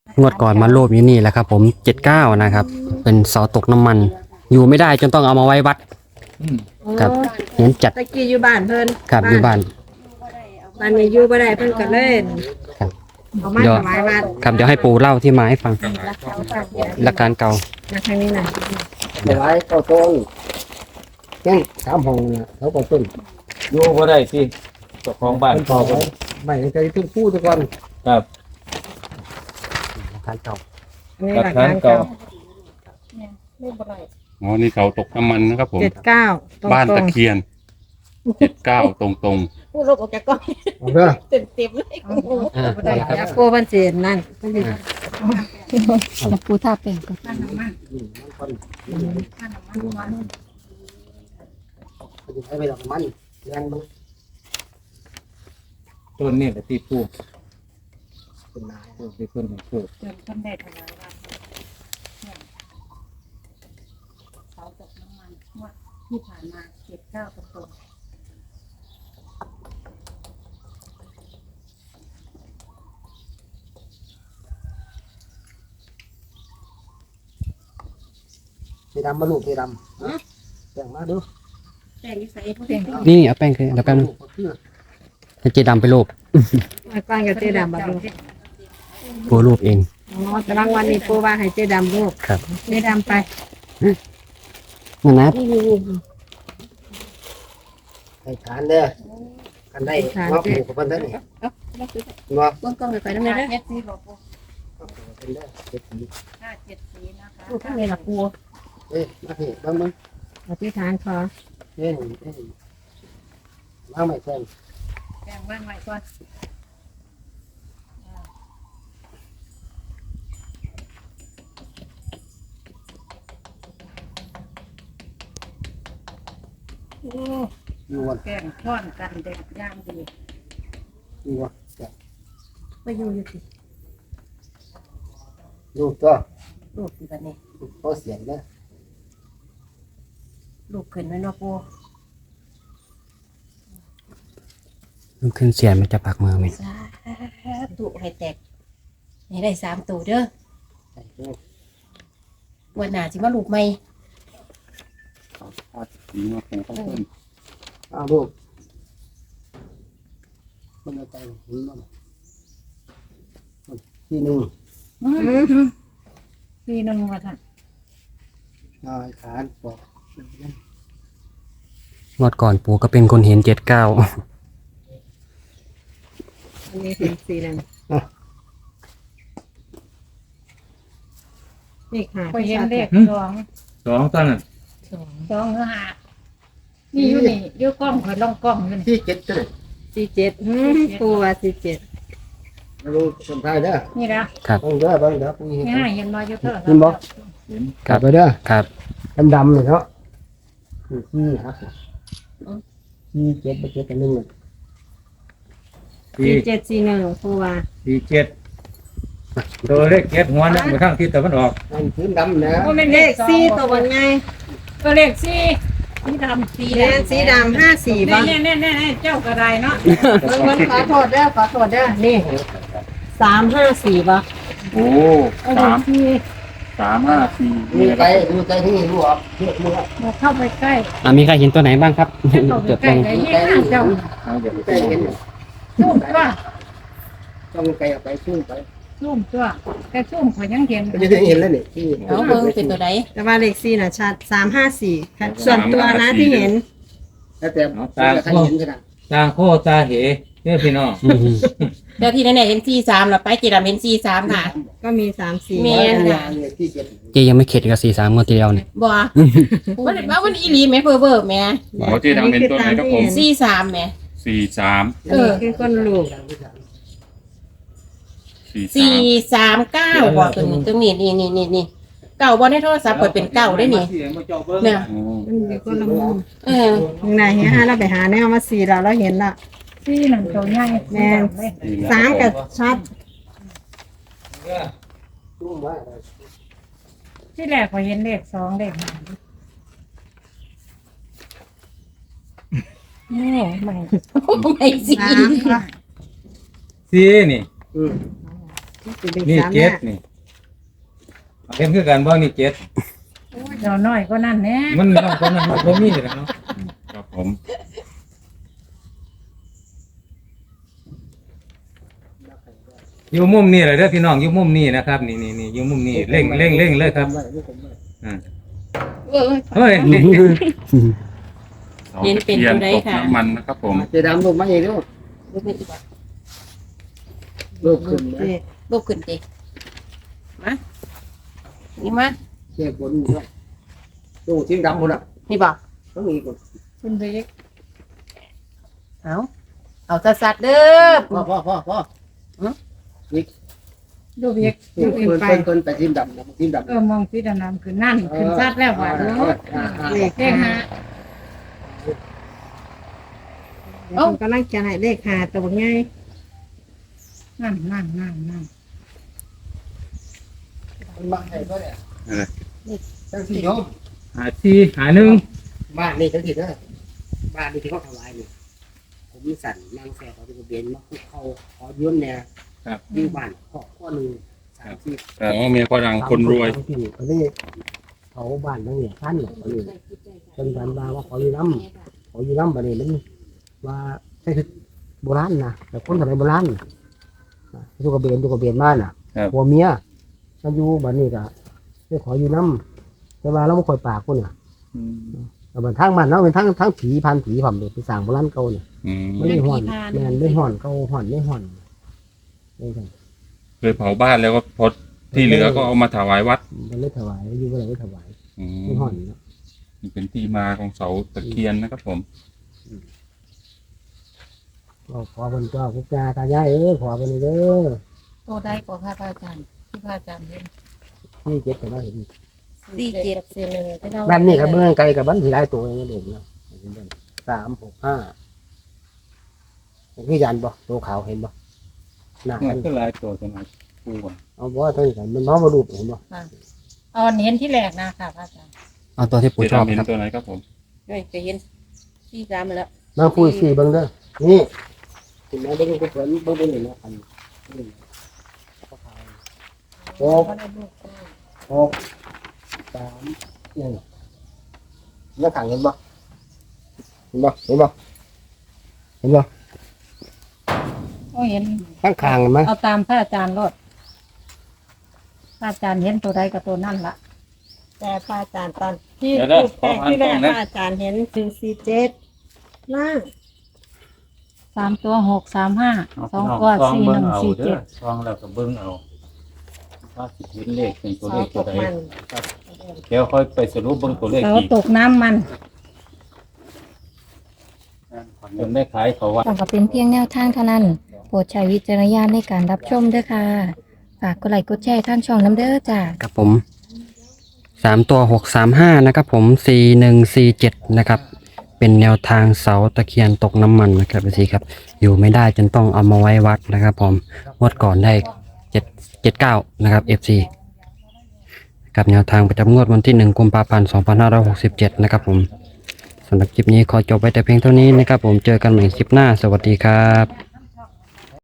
งวดก่อนมาโลภอยู่นี่แหละครับผม79นะครับเป็นเสาตกน้ำมัน อยู่ไม่ได้จนต้องเอามาไว้วัดครับเห็นจัดตะกี้อยู่บ้านเพิ่นครับอยู่บ้านบ้านนี้อยู่บ่ได้เพิ่นก็เลยครับเอามาถวายวัดครับเดี๋ยวให้ปู่เล่าที่มาให้ฟังหลักการเก่ามาทางนี้น่ะถวายเข้าต้นแก้ง3ห้องน่ะเขาก็ต้นอยู่บ่ได้สิเจ้าของบ้านเพิ่นบอกไว้ไม่ให้ใจทุกผู้ทุกคนครับหลักการเก่าอันนี้หลัหลักกฐานการเก่าเก่าอ๋อ นี่เขาตกน้ำมันนะครับผม 79ตรงๆบ้านตะเคียน79ตรงพูดลบออกจากกล้องเอาเด้อเต็มเลยบ่ได้อยากโกเพิ่นสินั่นเพิ่นสิแล้วปูท่าเป็นก่อนให้ไปดอกมันแรงบ่ต้นนี่แหละที่ผู้เป็นนายผู้ที่เพิ่นให้ปลูกจนท่านได้ถวายวัดเสาตกน้ำมันงวดที่ผ่านมา79ตรงสีดำมาลูกสีดำแบ่งมาดูๆแต่นิสัยพวกเด็กนี่เอาแป้งคือเดี๋ยวแป๊บนึงให้เจดำไปรูปมาก่อนกับเจ๊ดำบัดนี้ปู่รูปเองอ๋อแต่รางวัลนี้ปู่ว่าให้เจ๊ดำลูกครับเจ๊ดำไปนั่นนะให้ฐานเด้อกันได้มาปลูกกับเพิ่นเด้อนี่บ่เบื้องต้นไปน้ำมันเม็ดสีหลวงปูเพิ่นเด้อเจ็ดปี 574นะคะลูกข้างในล่ะปูเอ้ยมาพี่เบิ่งอธิษฐานขอเอ้ยวางไม้แทนแบ่งบ้านไว้ก่อนโอ้อยู่วันแกงท่อนกันเด็กย่างดีอยู่วันไปอยู่อยู่สิลูกก็ลูกอยู่กันนี่เขาเสียงเด้อลูกขึ้นไว้เนาะปูลุกขึ้นเสียนมันจะปักมือไหมสาธุให้แตกให้ได้3ตัวเด้อใส่เด้อวันหน้าสิมาลูกใหม่ๆนี่มาปูข้าวต้นเอาลูกมันเอาใจเห็นบ่ที่หนึ่งพี่นั่นว่าท่านนายขานบอกงวดก่อนปู่ก็เป็นคนเห็น79 อันนี้เป็นสีนั่นนี่ค่ะก็เห็นเลขสอง 2ต้นน่ะสองหรือห้านี่อยู่นี่อยู่กล้องข่อยลองกล้องอยู่นี่ที่เจ็ดตัว 47ปูว่า47 ลูกคนไทยเด้อนี่นะเบิ่งเด้อเบิ่งเด้อผู้หญิงง่ายเห็นมาอยู่เท่าเห็นบ่ กลับไปเด้อครับดำๆเลยเนาะที่ครับที่เจ็ดไปเจ็ดกันหนึ่ง 4741ปูว่า 47ตัวเลข7หัวนั่นไปทางทิศตะวันออกอันพื้นดำนะก็เป็นเลเลขข 4ตัวบนไงก็เลขสี่สีดำสีแม่นสีดำ54บ่แน่เจ้ากระไดเนาะเบิ่งขอโทษเด้อขอโทษเด้อนี่354บ่โอ้3 5 4 มีไปดูใจที่รู้ออกเยอะมือมาเข้าไปใกล้มีใครเห็นตัวไหนบ้างครับเข้าไปจดใกล้ลงไอ้ยี่ห้าเจ้าใจเห็นซุ่มตัวต้องไกลออกไปสู้ไปซุ่มตัวแค่ซุ่มข่อยยังเห็นก็จะเห็นแล้วนี่ที่เอาเบิ่งเป็นตัวใดแต่ว่าเลข4น่ะชัด354ค่ะส่วนตัวนะที่เห็นแล้วแต่ใครเห็นขนาดตาโคตาเหเด้อพี่น้องอืมเจ้าที่แน่ๆเห็น43แล้วไปจีดำเห็น43ค่ะก็มี3 แม่ 4 นที่เจ็ดเจยังไม่เข็ดกับ43งวดที่แล้วเนี่ยบ่วันอีหลีแม่เพ้อๆแม่อ๋อที่ทำเป็นตัวไหนครับผม 43แม่ 43 อันนี้คือคนลูก 439บ่ตัวนี้นี่เก่าบ่ในโทรศัพท์เปิดเป็นเก่าได้นี่เนี่ยมันมีคนละมุมเไหนเฮียฮะเราไปหาแนวมา4เราเห็นละที่หนังตัวใหญ่แม่น3กับชัดสู้ว่าที่แรกข่อยเห็นเลข2เลข5โอ้ไม่สิ 3ค่ะสีนี่นี่เจ็ดนี่เห็นคือกันบ่นี่เจ็ดเราน้อยก็นั่นแน่มันน้องคนนั้นมันบ่มีแล้วเนาะครับผมอยู่มุมนี้เลยเด้อพี่น้องอยู่มุมนี้นะครับนี่อยู่มุมนี้เร่งเลยครับอ่าเฮ้ยเสาตะเคียนตกน้ำมันนะครับผมเจะดำลงมาเองด้วยรูปนี้อีกบ่รูปขึ้นนะรูปขึ้นดิมานี่มาเชี่ยบนด้วยดูทิ้งดำหมดอ่ะนี่บ่ต้องมีก่อนคุณเด็กเอาสัดๆเด้อพ่อดูเด็กเพิ่ดูนอื่นไปเพิ่นไปทิ้งดำทิ้งดำมองสีดำๆคือนั่นขึ้นซัดแล้วว่าดูเลขห้ากำลังจะให้เลขหาตัวง่ายนั่นบ้านไหนก็เนี่ยจังสิโยมหาที่หาหนึ่งบ้านนี่จังสิเด้อบ้านนี่ที่เขาถวายนี่ผมมีสั่นนางแฝดเขาเป็นเบียนมาคุกเขาขอยืมเนี่ยอยู่บ้านข้อหนึ่ง3 4 อ๋อเมียฝรั่งคนรวยอันนี้เขาบ้านนั่งเนี่ยท่านอันนี้เป็นพันบาว่าขออยู่น้ำบัดนี้มันว่าใช่คือโบราณนะแต่คนสมัยโบราณตุกเบียนบ้านน่ะผัวเมียมาอยู่บัดนี้ก็ได้ขออยู่น้ำแต่ว่าเราไม่ค่อยปากคนน่ะแต่บัดทางบ้านเราเป็นทั้งผีพันผีผมเลยไปสั่งโบราณเก่าเนี่ยอืมไม่ได้ห่อนแมนไม่ห่อนเก่าห่อนไม่ห่อนนี่ครับเคยเผาบ้านแล้วก็พอที่เหลือก็เอามาถวายวัดมันไม่ถวายอยู่ก็เลยไม่ถวายอืไม่มห่อนเนาะนี่เป็นที่มาของเสาตะเคียนนะครับผมก็ขอคนเจ้าพุทธาตายายขอคนนี้เด้อโตได้กว่าพระอาจารย์ที่พระอาจารย์เห็นนี่เจ็ดแต่ว่าเห็น 47 บ้านนี่กับเมืองไกลกับบ้านที่หลายตัวอย่างเงี้ยเด็กเนาะ3 6 5คือยันบ่ตัวขาวเห็นบ่หน้ามันก็หลายตัวจังได๋ปูอ่ะเอาบ่ทั้งกันมันน้องมาดูเห็นบ่เอาเห็นที่แรกนะค่ะพระอาจารย์เอาตัวที่ปู่เจ๊ชอบดำเห็นครับตัวไหนครับผมเฮ้ยจะเห็นที่3มาแล้วมาคุยสี่เบิ่งเด้อนี่ถึงแม้เบิ่งกูเพิ่นเบิ่งเป็นเนาะอัน6 3 1แล้วขังเห็นบ่เห็นบ่โอ้เห็นข้างคางเห็นไหมเอาตามพระอาจารย์รถพระอาจารย์เห็นตัวใดกับตัวนั่นละแต่พระอาจารย์ตอนที่เดี๋ยวนะแรกที่แรกพระอาจารย์เห็น147ล่าง 3 ตัว 6 3 5 2 ตัว 4 1 4 7 ซองแล้วก็เบิ่งเอาว่าสิเห็นเลขเป็นตัวเสาเลขตตัวกใดมันเดี๋ยวค่อยไปสรุปเบิ่งตัวเลขเสาอีกตกน้ำมันจนได้ขายเขาว่าต่างก็เป็นเพียงแนวทางเท่านั้น โปรดใช้วิจารณญาณในการรับชมด้วยค่ะ ฝากกดไลค์กดแชร์ทางช่องน้ำเด้อจ้าครับผม3 ตัว 635นะครับผม4147นะครับเป็นแนวทางเสาตะเคียนตกน้ำมันนะครับพี่ครับอยู่ไม่ได้จนต้องเอามาไว้วัดนะครับผมงวดก่อนได้779นะครับ FC กับแนวทางประจำงวดวันที่1 กุมภาพันธ์ 2567นะครับผมสำหรับคลิปนี้ขอจบไว้แต่เพียงเท่านี้นะครับผมเจอกันใหม่คลิปหน้าสวัสดีครับ